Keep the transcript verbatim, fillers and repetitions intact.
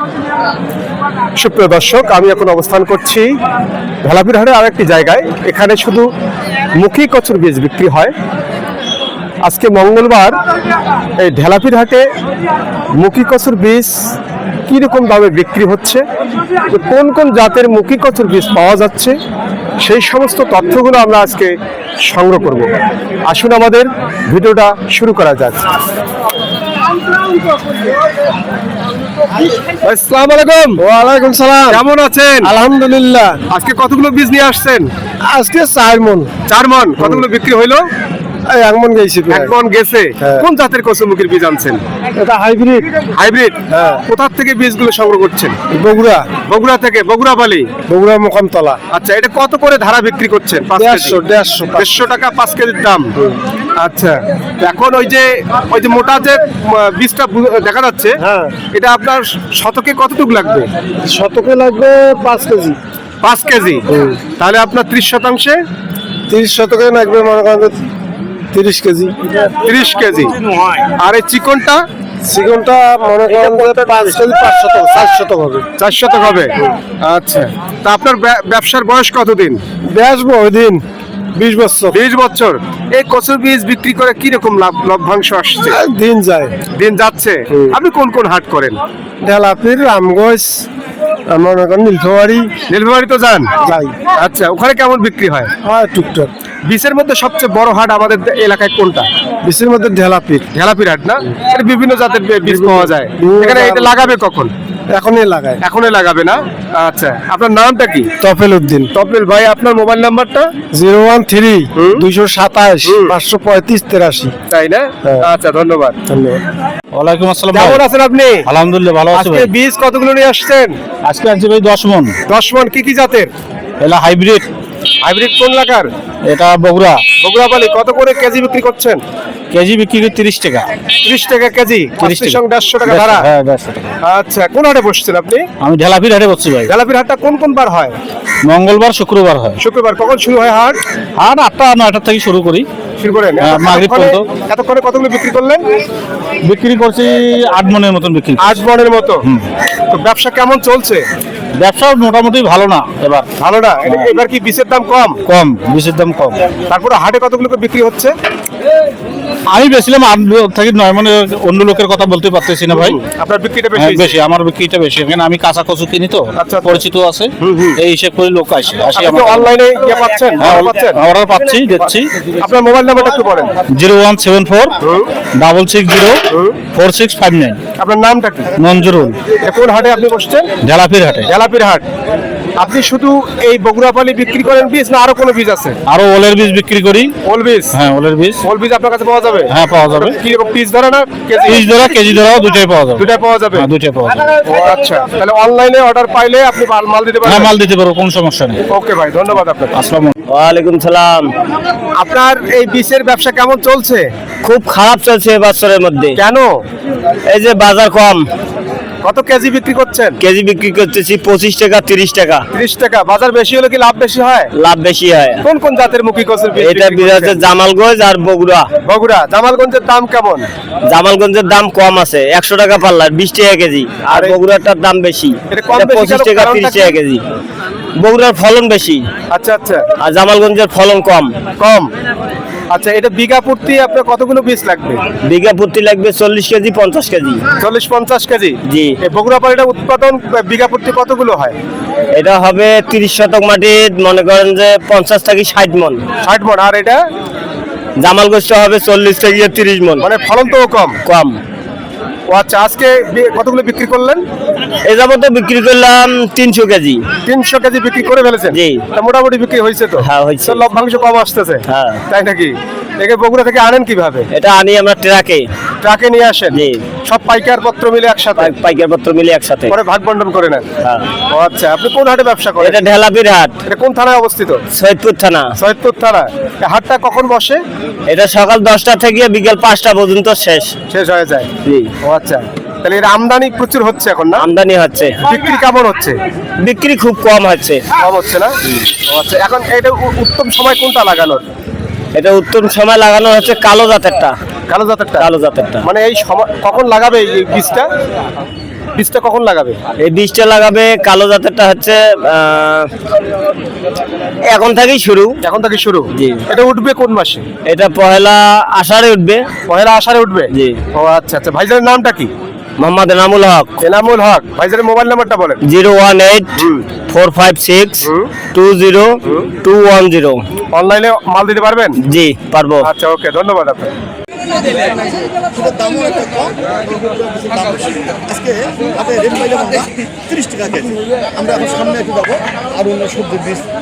সুপ্রিয় দর্শক, আমি এখন অবস্থান করছি ঢেলাপির হাটের আরেকটি জায়গায়। এখানে শুধু মুখী কচুর বীজ বিক্রি হয়। আজকে মঙ্গলবার এই ঢেলাপির হাটে মুখী কচুর বীজ কীরকম দামে বিক্রি হচ্ছে, কোন কোন জাতের মুখী কচুর বীজ পাওয়া যাচ্ছে, সেই সমস্ত তথ্যগুলো আমরা আজকে সংগ্রহ করব। আসুন আমাদের ভিডিওটা শুরু করা যাক। আসসালামু আলাইকুম। ওয়ালাইকুম সালাম। কেমন আছেন? আলহামদুলিল্লাহ। আজকে কতগুলো বীজ নিয়ে আসছেন? আজকে চার মন। চার মন। কতগুলো বিক্রি হইলো? এক মন গেছে। এক মন গেছে। হ্যাঁ। কোন জাতের কচুরমুখীর বীজ আনছেন? এটা হাইব্রিড। হাইব্রিড? হ্যাঁ। কোথা থেকে বীজগুলো সংগ্রহ করছেন? বগুড়া। বগুড়া থেকে? বগুড়া বালি? বগুড়া মোকামতলা। আচ্ছা, এটা কত করে ধারা বিক্রি করছেন? দেড়শো দেড়শো দেড়শো টাকা পাঁচ কেজির দাম। আচ্ছা, এখন ওই যে ওই যে মোটা যে উম, বীজটা বু- দেখা যাচ্ছে, হ্যাঁ। এটা আপনার শতকে কতটুকু লাগবে? শতকে লাগবে পাঁচ কেজি। পাঁচ কেজি। তাহলে আপনার ত্রিশ শতাংশে তিরিশ শতকে লাগবে মনে করেন তিরিশ কেজি। ত্রিশ কেজি। আর এই চিকনটা চিকনটা মনে করেন যে পাঁচ কেজি পাঁচ শতক চার শতক হবে। চার শতক হবে। আচ্ছা, তা আপনার ব্যা- ব্যবসার বয়স কতদিন? বেচবো ওই দিন বিশ বছর। বিশ বছর। এই কচুর বীজ বিক্রি করে কি রকম লাভ লভ্যাংশ আসছে? আর দিন যায়। দিন যাচ্ছে। আপনি কোন কোন হাট করেন? ঢেলাপির রামগঞ্জ মনে করেন নীলফামারী নীলফামারী তো যান? যাই। আচ্ছা, ওখানে কেমন বিক্রি হয়? হয় টুকটাক। বীজের মধ্যে সবচেয়ে বড় হাট আমাদের এলাকায় কোনটা? বিশের মধ্যে ঢেলাপির ঢেলাপির হাট না? এটা বিভিন্ন জাতের বী- বীজ পাওয়া যায়। বিভিন্ন এখানে এটা জাতের- লাগাবে কখন? এখনই লাগায়। এখনই লাগাবে না? আচ্ছা, আপনার নামটা কি? তফেল উদ্দিন। তপলিল ভাই, আপনার মোবাইল নাম্বারটা? জিরো ওয়ান থ্রি হুম। দুইশো সাতাশ হুম। পাঁচশো পঁয়ত্রিশ তেরাশি। তাই না? হ্যাঁ। আচ্ছা, ধন্যবাদ। ধন্যবাদ। ওয়ালাইকুম আসসালাম। কেমন আছেন আপনি? আলহামদুলিল্লাহ ভালো আছি আজকে ভাই। বীজ কতগুলো নিয়ে আসছেন? আজকে আনছি ভাই দশ মন। দশ মন। কি কি জাতের? এলা হাইব্রিড। হাইব্রিড কোন লাগার? এটা বগুড়া। বগুড়া বালি। কত করে কেজি বিক্রি করছেন? কেজি বিক্রি করে তিরিশ টাকা। ত্রিশ টাকা কেজি। তিরিশ আশির টাকা। সঙ্গে দেড়শো টাকা ধারা। হ্যাঁ দেড়শো টাকা। আচ্ছা, কোন হাটে বসছেন আপনি? আমি ঢেলাপির হাটে বসছি ভাই। ঢেলাপির হাটটা কোন কোন বার হয়? মঙ্গলবার শুক্রবার হয়। শুক্রবার। কখন শুরু হয় হাট? আর আটটা নয়টার থেকে শুরু করি। শুরু করেন? হ্যাঁ, মাগরিব এতক্ষণে- পর্যন্ত। এতক্ষণে কতগুলো বিক্রি করলেন? বিক্রি করছি আট মনের মতন বিক্রি। আট মনের মতো। তো ব্যবসা কেমন চলছে? ব্যবসা মোটামুটি ভালো না এবার। ভালো না? এ- এবার কি বীজের দাম কম? কম, বিষের দাম কম। তারপরে হাটে কতগুলো করে বিক্রি হচ্ছে? আমি বেছিলাম আট থেকে নয় মানে, অন্য লোকের কথা বলতে পারতেছি না ভাই। আপনার বিক্রিটা বেশি হ্যাঁ, হয়েছে? বেশি, আমার বিক্রিটা বেশি। এখানে আমি কাঁচা কচু কিনি তো, আচ্ছা, আচ্ছা। পরিচিত আছে, হুম, হুম। এই হিসেব করে লোক আসে আসি আপনি আমার। অনলাইনে ইয়ে পাচ্ছেন? হ্যাঁ, অর্ডার পাচ্ছেন? অর্ডার পাচ্ছি, দিচ্ছি। আপনার মোবাইল নাম্বারটা একটু বলেন। Zero one seven four double six zero four six five nine. আপনার নামটা কি? মঞ্জুরুল। এটা কোন হাটে আপনি বসছেন? ঢেলাপির হাটে। ঢেলাপির হাট। আপনি শুধু এই বগুড়া পালি বিক্রি করেন বীজ, না আরো কোনো বীজ আছে? আরো ওলের বীজ বিক্রি করি। ওল বীজ? হ্যাঁ, ওলের বীজ। ওল বীজ আপনার কাছে পাওয়া যাবে? হ্যাঁ, পাওয়া যাবে। কি রকম পিস ধরে না কেজি? পিস ধরা কেজি ধরাও দুটাই পাওয়া যাবে। দুটাই পাওয়া যাবে? হ্যাঁ, দুটাই পাওয়া যাবে। ও আচ্ছা, তাহলে অনলাইনে অর্ডার পাইলে আপনি মাল মাল দিতে হ্যাঁ, পারবেন? মাল দিতে পারবো, কোনো সমস্যা নেই। ওকে ভাই, ধন্যবাদ আপনাকে। আসসালাম। ওয়ালাইকুম সালাম। আপনার এই বীজের ব্যবসা কেমন চলছে? খুব খারাপ চলছে এ বছরের মধ্যে। কেন? এই যে বাজার কম, কত কেজি বিক্রি করছেন? কেজি বিক্রি করতেছি পঁচিশ টাকা তিরিশ টাকা। ত্রিশ টাকা। বাজার বেশি হলে কি লাভ বেশি হয়? লাভ বেশি হয়। কোন কোন জাতের মুখী কচুর বীজ এটা বিক্রি বিরাজ করছেন? জামালগঞ্জ আর বগুড়া। বগুড়া। জামালগঞ্জের দাম কেমন? জামালগঞ্জের দাম কম আছে, একশো টাকা পাল্লার, বিশ টাকা কেজি। আর আরে- বগুড়াটার দাম বেশি, এটা কম এটা বেশি পঁচিশ কেন? টাকা কারণটা তিরিশ কি? টাকা কেজি। বগুড়ার ফলন বেশি আচ্ছা আচ্ছা, আর জামালগঞ্জের ফলন কম। কম। আচ্ছা, এটা বিঘা প্রতি আপনার কতগুলো বীজ লাগবে? বিঘা প্রতি লাগবে চল্লিশ কেজি পঞ্চাশ কেজি। চল্লিশ পঞ্চাশ কেজি? জি। এই বগুড়া পালিটা উৎপাদন বিঘা প্রতি কতগুলো হয়? এটা হবে তিরিশ শতক মাটির, মনে করেন যে পঞ্চাশ থেকে ষাট মন। ষাট মন। আর এটা জামালগঞ্জটা হবে চল্লিশ থেকে তিরিশ মন। মানে ফলন তো কম। কম। ও আচ্ছা, আজকে বি- কতগুলো বিক্রি করলেন? এ যাবত বিক্রি করলাম তিনশো কেজি। তিনশো কেজি বিক্রি করে ফেলেছেন? জি। তা মোটামুটি বিক্রি হয়েছে তো? হ্যাঁ, হয়েছে। তো লভ্যাংশ কম আসতেছে? হ্যাঁ। তাই নাকি? একে বগুড়া থেকে আনেন কিভাবে? এটা আনি আমরা ট্রাকে। ট্রাকে নিয়ে আসেন? জি। সব পাইকার পত্র মিলে একসাথে পাই- পাইকার পত্র মিলে একসাথে। পরে ভাগ বন্টন করে নেন? হ্যাঁ। ও আচ্ছা, আপনি কোন হাটে ব্যবসা করেন? এটা ঢেলাপির হাট, এটা কোন থানায় অবস্থিত? সৈয়দপুর থানা। সৈয়দপুর থানা। এই হাটটা কখন বসে? এটা সকাল দশটা থেকে বিকেল পাঁচটা পর্যন্ত শেষ। শেষ হয়ে যায়? জি। ও আচ্ছা, তাহলে এর আমদানি প্রচুর হচ্ছে এখন না? আমদানি হচ্ছে, বিক্রি কেমন হচ্ছে? বিক্রি খুব কম হচ্ছে। কম হচ্ছে না? ও আচ্ছা, এখন এটা উ- উত্তম সময় কোনটা লাগানোর? এটা উত্তম সময় লাগানো হচ্ছে কালো জাতেরটা। কালো জাতেরটা? কালো জাতেরটা মানে এই সময় কখন লাগাবে এই বীজটা? বীজটা কখন লাগাবে? এই বীজটা লাগাবে কালো জাতেরটা হচ্ছে আহ, এখন থেকেই শুরু। এখন থেকে শুরু? জি। এটা উঠবে কোন মাসে? এটা পহেলা আষাঢ়ে উঠবে। পয়লা আষাঢ়ে উঠবে? জি। ও আচ্ছা আচ্ছা, ভাইজানের নামটা কি? মোহাম্মদ এনামুল হক। এনামুল হক। ভাইজানের মোবাইল নাম্বারটা বলেন। Zero one eight four five six two zero two one zero. অনলাইনে মাল দিতে পারবেন? জি পারবো। আচ্ছা, ওকে, ধন্যবাদ আপনাকে। সেটার দামও একটা কম, দাম বেশি। আজকে হাতে রেট পাইলাম আমরা তিরিশ টাকা কেজি। আমরা এখন সামনে একটু যাবো আর অন্য সবজির বীজ